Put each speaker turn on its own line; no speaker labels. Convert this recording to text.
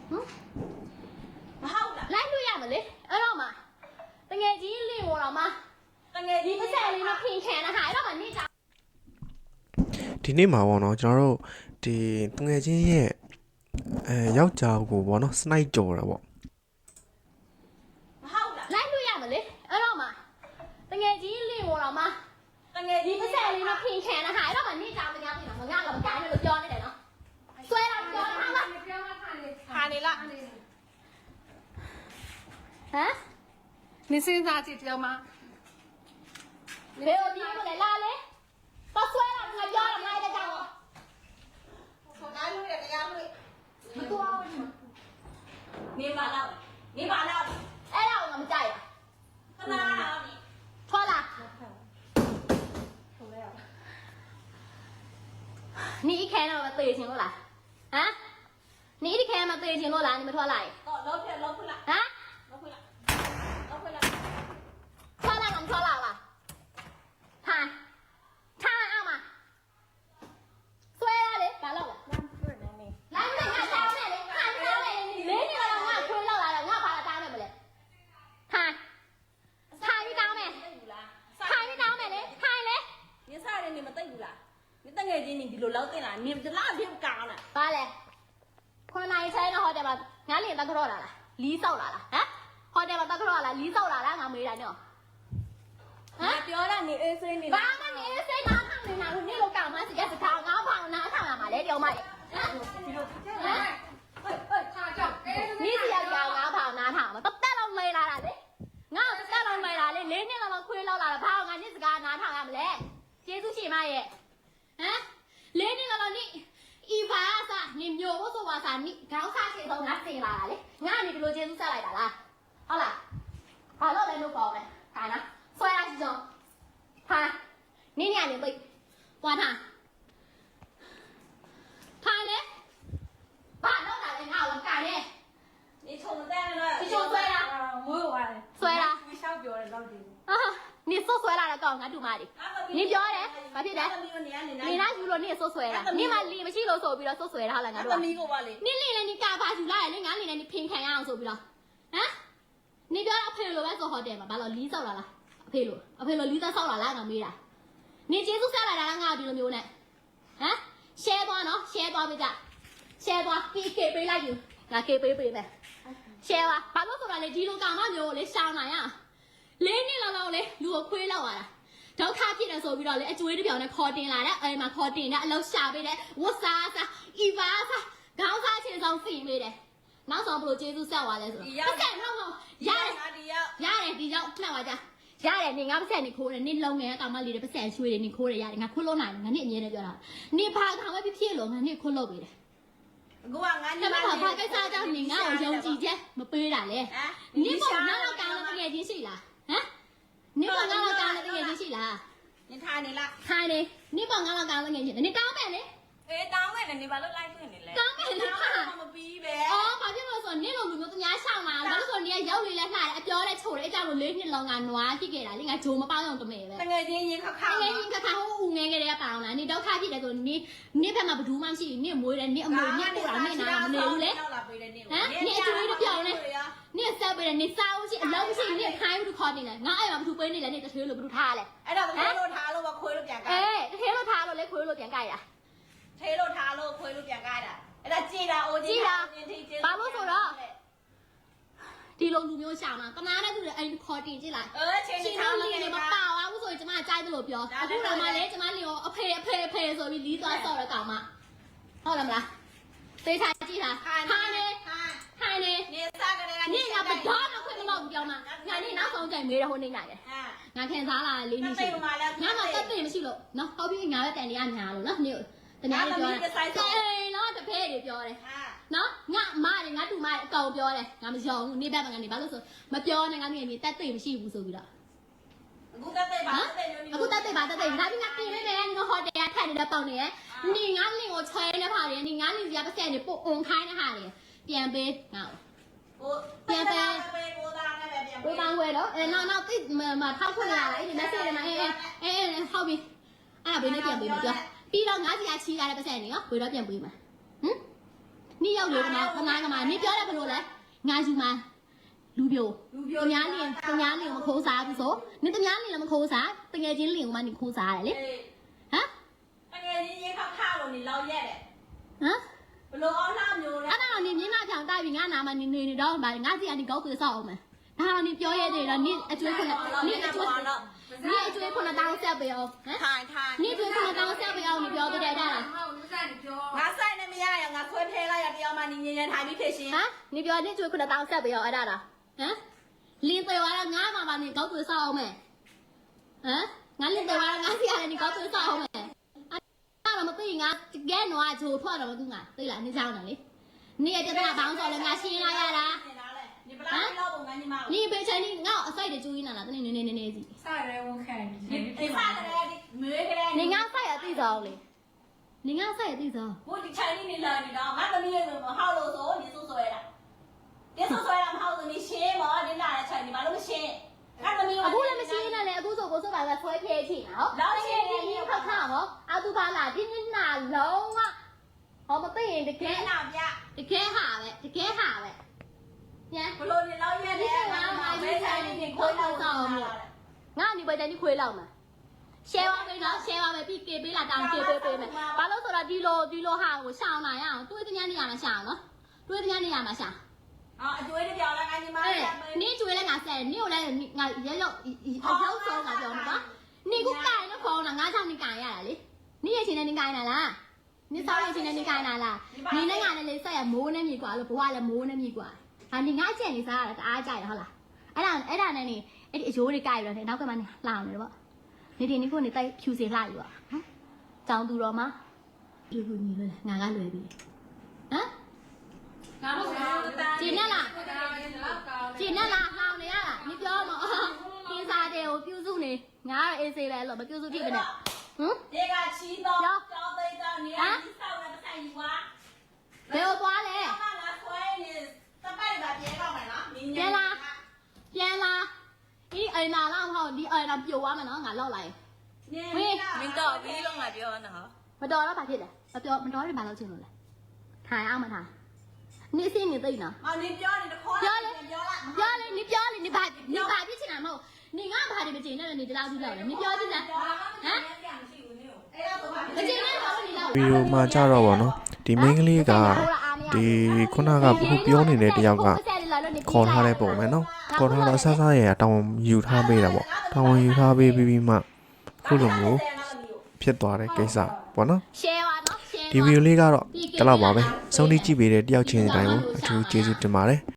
မဟုတ်လားလိုက်လို့ရမလဲအဲ့တော့မှတငယ်ကြီးလင့်ပေါ်တော့မှတငယ်ကြီးပတ်စံလေးမဖင်ခံတာဟာအဲ့တော့မှနေကြ
ဒီနေ့မှာပေါ့နော်ကျွန်တော်တို့ဒီတငယ်ချင်းရဲ့ယောက်ျားကိုပေါ့နော်စနိုက်ကြော်တာပေါ့
မဟုတ်လားလိုက်လို့ရမလဲအဲ့တော့မှတငယ်ကြီးလင့်ပေါ်တော့မှတငယ်ကြီးပတ်စံလေးမဖင်ခံတာဟာအဲ့တော့မှနေကြမကြပြင်မှာငါကတော့ကြိုင်းလို့ပြောနေတယ်နော်ဆွဲတော့ပြောတာဟာဟာနေလားဟမ်
你现在几条吗？
ဘယ်လိုဒီလိုလဲလာလေတော့ဆွဲတော့ငါပြောတော့ငါလည်းကြောက်တော့ခေါ်လာလို့ရတယ်တရားလို့မတော်ဘူးနေပါလားနေပါလားအဲ့ဒါကိုငါမကြိုက်ဘူးခဏလားထွက်လာ你一看到我对清了啦，啊？你一看嘛对清了啦，你们拖来？老婆了，啊？老婆了，拖来我们拖来了，看，看啊嘛，所以啊嘞，干了了，来不来？俺打来嘞，看打来嘞，你你了俺亏了来了，俺把他打来不嘞？看，看你打没？看你打没嘞？看嘞？
你啥人你们对不啦？你等下子你比如老对啦，你们这哪天干了？
ဘာလဲခွန်နိုင်ဆိုင်တော့ဟိုတယ်မှာငါလင်းတက်ခရော့လာလားလီးဆောက်လာလားဟမ်ဟိုတယ်မှာတက်ခရော့လာလီးဆောက်လာလားငါမေးတာနော်
ဟမ်ပြောတာ你အေးစိနေ
ဘာမှနေစိတ်နာထောင်နေတာလို့နေလို့ကောင်းမှစကြစကားငါဖောင်နာထောင်လာမှာလေတောင်မလေးဟမ်
他叫
你只要叫ငါဖောင်နာထောင်မှာတက်လောက်မေးလာတာလေငါတက်လောက်မေးလာလေ၄နှစ်လောက်ခွေးလောက်လာတာဘာငါနေစကားနာထောင်ရမလဲကျေးဇူးရှင်မရဲ့ဟမ်၄နှစ်လောက်နေอีฟ้าซะนี่မျိုးလို့ဆိုပါစာนี่ခေါင်းစားချင်ဆုံးငါစင်လာတာလေငါကနေဒီလိုကျေးဇူးဆက်လိုက်တာလားဟုတ်လားဘာလို့လဲလို့ပေါ့လဲခိုင်းနော်ဆွဲရစီဆုံးဟာနင်းညနေပိတ်ပွားထားထားလေဘာလို့လာလဲငါ့ကိုကိုင်နေ
你冲在那
你冲ဆွဲလား
没有啊
ဆွဲလား
你想表的老弟
အာ你ဆိုဆွဲလာတဲ့ကောင်ငါတူမလေး你ပြောတယ်ဘာဖြစ်လဲ你那ယူလို့你ဆိုဆွဲလာ你မလီမရှိလို့ဆိုပြီးတော့ဆိုဆွဲထားလားငါတို့
သမီးကိုပါလေ
နင်းနေလေနင်ကာပါယူလာရလေငါနေလေနင်ဖင်ခံရအောင်ဆိုပြီးတော့ဟမ်နင်ပြောအဖေလိုပဲဆိုဟိုတယ်မှာဘာလို့လီးဆောက်လာလားအဖေလိုလီးသားဆောက်လာလားငါမေးတာနင်ကျေးဇူးဆက်လာတာလားငါဒီလိုမျိုးနဲ့ဟမ် share သွားနော် share သွားပေးကြ share သွားပြီးကေပေးလိုက်ယူငါကေပေးမယ် share ပါဘာလို့ဆိုတာလေဒီလိုကောင်မမျိုးကိုလေရှောင်းနိုင်ရ၄နှစ်လောက်လေလူကိုခွေးလောက်လာတာဒုက္ခဖြစ်တယ်ဆိုပြီးတော့လေအကျွေးတစ်ပြောင်နဲ့ခေါ်တင်လာတဲ့အဲ့မှာခေါ်တင်တဲ့အလောက်ရှာပေးတဲ့ဝတ်စားစားအီပါစားခေါင်းစားချင်းဆောင်စီပေးတယ်နောက်ဆုံးဘလို့ကျေးဇူးဆက်သွားလဲဆိုတော့ပတ်ဆက်တော့ရတယ်ဒီရောက်မှတ်ပါကြရတယ်နေငါပတ်ဆက်နေခိုးတယ်နေလုံငယ်ကောင်မလေးတွေပတ်ဆက်ရွှေတွေနေခိုးတယ်ရတယ်ငါခိုးလို့နိုင်တယ်ငါနေအမြဲတမ်းပြောတာနေဖာကောင်ပဲဖြစ်လို့ငါနေခိုးလို့ပေးတယ်
ကိုကငါညီ
မလေးဖာကိစ္စကြောင့်နေငါ့ကိုယုံကြည်ချက်မပေးတာလေနေပေါ့ငါတော့ကောင်းလို့တကယ်ချင်းရှိလားဟမ်နေပေါ့ငါတော့ကောင်းလို့တကယ်ချင်းရှိလား
你ထားနေလား
ထိုင်နေနေပေါ့ငါတော့ကောင်းလို့ငယ်ချင်းနေကောင်းမယ်လေ
အေးတောင်းမယ်နေဘာလို့လိုက်ခွင့်နေလဲ
ကောင်းမယ်လေဟာ
မပြီးပဲ
အော်ဘာဖြစ်လို့ဆိုနေလိုလူမျိုးသူများရှောင်းလာဘာလို့ဆိုနေရောက်လေလက်လှတယ်အပြောတဲ့ချိုတဲ့အကြောင်းကို၄နှစ်လုံးကနွားဖြစ်ခဲ့တာလေငါဂျိုမပေါင်းအောင်တမဲပဲ
တကယ်ချင်းရင်ခါခါ
တကယ်ချင်းခါခါဟိုဦးငယ်ကလေးကပေါင်းလာနေဒုက္ခဖြစ်တယ်ဆိုနေဖက်မှာဘယ်သူမှမရှိနေမွေးတယ်နေအမွေနေပို့တာနေနာမနေဘူးလေဟမ်နေအကျွေးတော့ပြောင်းနေနေဆက်ပေးတယ်နေစားဦးရှိအလုံးရှိနေခိုင်းဘူးခေါ်နေတယ်ငါအဲ့မှာဘယ်သူပေးနေလဲနေတထေးလို့ဘယ်သူထားလဲ
အဲ့တော့တထေးလို့ထားလို့ခွေးလို့ပြန်ကြိုက်
အေးတထေးလို့ထားလို့လေခွေးလို့ပြန်ကြိုက်တာ
ထေးလို့ထားလို့ခွေးလို့ပြန်ကြိုက်တာအဲ့ဒါကြည်တာအိုကြီး
တာဘာလို့ဆိုတော့ဒီလိုလူမျိုးရှာမှာကနာတဲ့သူတွေအဲ့ခေါ်တင်ကြည့်လိုက်
ချင်း
ထားလို့နေမပါဘူးဆိုရင်ကျမကြိုက်တယ်လို့ပြောအခုတော့မှလေကျမလီကိုအဖေဆိုပြီးလီးသွားဆော့ရကောင်မဟုတ်လားမလားသေချာကြည့်တာခိုင်းနေ
နေစားကြတယ်
နေငါဘတော်တော့ခွင့်မလို့ပြောမှာငါနေနောက်ဆုံးကြိုင်မေးတော့ဟိုနေနိုင်တယ်ငါခင်စားလာလေးနေရှိငါမှတက်သိမရှိလို့နော်ဟောပြီးငါပဲတန်တရားညာလို့နော်နေတနာပြောတယ်အေးနော်တဖဲတွေပြောတယ်နော်ငါမတွေငါတူမတွေအကောင်ပြောတယ်ငါမယုံဘူးနေဘက်မှာငါနေဘာလို့ဆိုမပြောနဲ့ငါနေတက်သိမရှိဘူးဆိုပြီးတော့
အခုတက်သိပါ
ငါပြီးငါပြင်နေတယ်ငါဟိုတယ်ကထိုင်နေတဲ့ပေါင်နေနေငါလင်ကိုချဲနေပါလေနေငါလင်စီကပတ်စံနေပို့အုံခိုင်းနေဟာလေပြန်ပေးငါ
ပြန်ပေးကိုသားနဲ့ပဲပြန်ပေး
ကိုသားဝဲတော့နောက်သိမထောက်ခွင့်လာလေဒီ message တွေမှာအေးဟုတ်ပြီအဲ့ဒါဘေးနဲ့ပြန်ပေးမှာပြောပြီးတော့ငါစီကချီးရတဲ့ပတ်စံနေရောဘယ်တော့ပြန်ပေးမှာဟမ်နေယောက်တွေကမှခဏကမှနေပြောတယ်ဘလို့လဲငါယူမှာလူပြိုတများလင်းမခိုးစားဘူးဆိုနေတများလင်းလည်းမခိုးစားတကယ်ချင်းလင်းကမှနေခိုးစားရတယ်လေဟမ်
တကယ်ကြီးရေခါခါလို့နေလောက်ရက်တယ်
ဟမ်
ဘလို့အောင်လာမျိုးလဲ
အဲ့ဒါတော့နေမျက်နှာဖြောင်တိုက်ပြီးငါနာမနေတော့ဗာငါစီကနေကောက်ပြီးဆောက်အောင်မယ်ဒါတော့နေပြောရတယ်တော့နေအကျွေးခုနနေအကျွေးခုနတောင်းဆက်ပေးအောင်ဟမ်
ထိုင်ထိုင်
နေကျွေးခုနတောင်းဆက်ပေးအောင်နေပြောတဲ့အဲ့ဒါလား
ငါဆိုင်နဲ့မရရငါဆွဲထဲလိုက်ရတရားမှနေငင်းထိုင်ပြီးဖြစ်ရှင်
ဟမ်နေပြောနေကျွေးခုနတောင်းဆက်ပေးအောင်အဲ့ဒါလားဟမ်လင်းသေးသွားငါမှပါနေကောက်ပြီးဆောက်အောင်မယ်ဟမ်ငါလင်းသေးသွားငါစီကနေကောက်ပြီးဆောက်အောင်မယ်အဲ့ဒါမသိငါကဲတော့ဂျိုထွက်တော့မသူငါသိလားနေကြောင်းတယ်လေနေရတဲ့ဘောင်းစော်လည်းငါရှင်းလိုက်ရတာ
နေပလားလောက်ပုံငါညီမ
你别猜你我晒的注意呢，那你是。
晒来我看你。
你စားတယ်ဒီမေးကြတယ်
你俺晒也对着嘞，你俺晒也对着。
ဘို့ဒီချိုင်နေလာနေတော့ငါသမီးလေးမဟောက်လို့ဆိုနေဆိုဆွဲတာဒီဆိုဆွဲတာမဟုတ်ဘူးနေရှင်းမောဒီလာတဲ့ချိုင်ဒီဘာလို့မရှင်းငါသမီး
အခုလည်းမရှိနေလေအခုဆိုကိုဆိုပါကဆွဲဖြဲချင်တာဟုတ်။ဒီခါခါမောအတူပါလာဒီနေ့နာလုံးဝဟောမသိရင်တက
ကဲ
ယ်
နာပြ
တကယ်ဟာပဲတကယ်ဟာပဲ။ည
ဘလို့နေလောက်ရက်တယ်ငါမမဲချိုင်နေခွေးလောက်ဆောင်
ငါနေပဲတန်းဒီခွေးလောက်မှာ share ပါမယ်နော် share ပါမယ်ပြီးကေပေးလာတောင်းကေပေးမယ်။ဘာလို့ဆိုတော့ဒီလိုဟာကိုရှောင်းလာရအောင်တွေးတဲ့ညနေရမှာရှောင်းနော်။တွေးတဲ့ညနေရမှာရှောင်း
အော်အကျွေးတပြောင်းလာငါညီမ
你追了俺噻，你又来俺也要说俺叫什么？你给我改了空了，俺叫你改呀嘞？你也现在你改了啦？你早点现在你改了啦？你那俺那里啥呀？没那米瓜了，不话了没那米瓜。啊，你俺见你啥了？俺改了好了。အဲ့ဒါနဲ့နေအဲ့ဒီအယိုးတွေကြိုက်ရတယ်နောက်ကမှနေလောင်နေတယ်ပေါ့နေဒီနေ့ကိုနေတိုက်ဖြူစေလှယူอ่ะဟမ်ကြောင်သူတော်မှာဒီကူညီလို့ငါကလွယ်ပြီဟမ် ကျင်းနဲ့လားလောင်နေရလား你ပြောမကင်းစားတယ်ကိုပြုစုနေငါအေးစေးလဲလို့မပြုစုဖြစ်မနဲ့ဟမ်
ဒီကချီတော့ကြောင်းသိတော့နေရာကြီးဆောက်နေပတ်ယူပါ
ဘယ်ကိုသွားလဲ
ငါဆွဲနေတပိုက်ပါပြေတော့မယ်နော်
ပြန်လာဒီအိမ်နာလားမဟုတ်ဒီအိမ်နာပြိုသွားမယ်နော်ငါလောက်လိုက်
မင်းတော့ပြီးလုံးငါပြောနော်
မတော်တော့ဘာဖြစ်လဲမတော်ရင်ဘာလုပ်ချင်လို့လဲထိုင်အောင်မထိုင်နေစင်းနေသိနော်
အော်နေပြောနေတခေါ်ပြောလိုက်
ပြောလေ你ပြောလေ你ဘာဖြစ်ချင်တာမဟုတ်你ငါဘာတွေမကျင်နဲ့你တလားကြည့်လိုက်你ပြောကြည့်လားဟမ်မကျင်နဲ့တော့你လောက်
ဗီဒီယိုမှာကြတော့ဗောနော်ဒီမိန်းကလေးကဒီခုနကခုပြောနေတဲ့တယောက်ကခေါ်ထားတဲ့ပုံပဲနော်ခေါ်ထားတော့ဆဆရရတောင်းယူထားပေးတာဗောတောင်းယူထားပေးပြီးမှခုလိုမျိုးဖြစ်သွားတဲ့ကိစ္စဗောနော်
share ပါနော် share
ဒီဗီဒီယိုလေးကတော့ဒီလောက်ပါပဲစုံတိကြည့်ပေးတဲ့တယောက်ချင်းတိုင်းကိုအထူးကျေးဇူးတင်ပါတယ်